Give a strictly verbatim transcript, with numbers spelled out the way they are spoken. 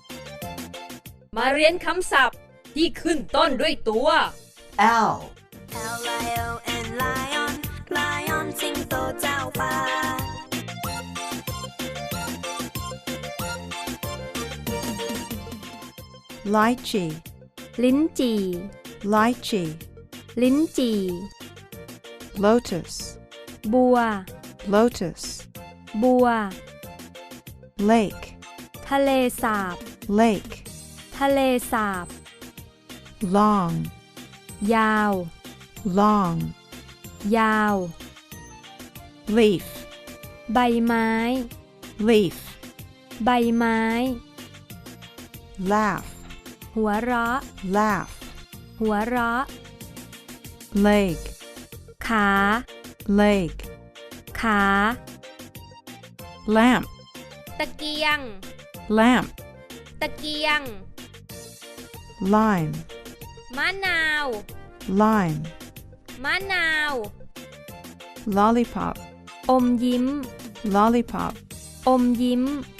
มาเรียนคำศัพท์ที่ขึ้นต้นด้วยตัว L L I O N lion lion สิงโตเจ้าป่า Lychee ลิ้นจี่ Lychee ลิ้นจี่ Lotus บัว Lotus บัว Lake ทะเลสาบ Lake ทะเลสาบ Long ยาว Long ยาว Leaf ใบไม้ Leaf ใบไม้ Laugh หัวเราะ Laugh หัวเราะ Leg ขา Leg ขา Lamp ตะเกียง Lamp ตะเกียง Lime มะนาว Lime มะนาว Lollipop อมยิ้ม Lollipop อมยิ้ม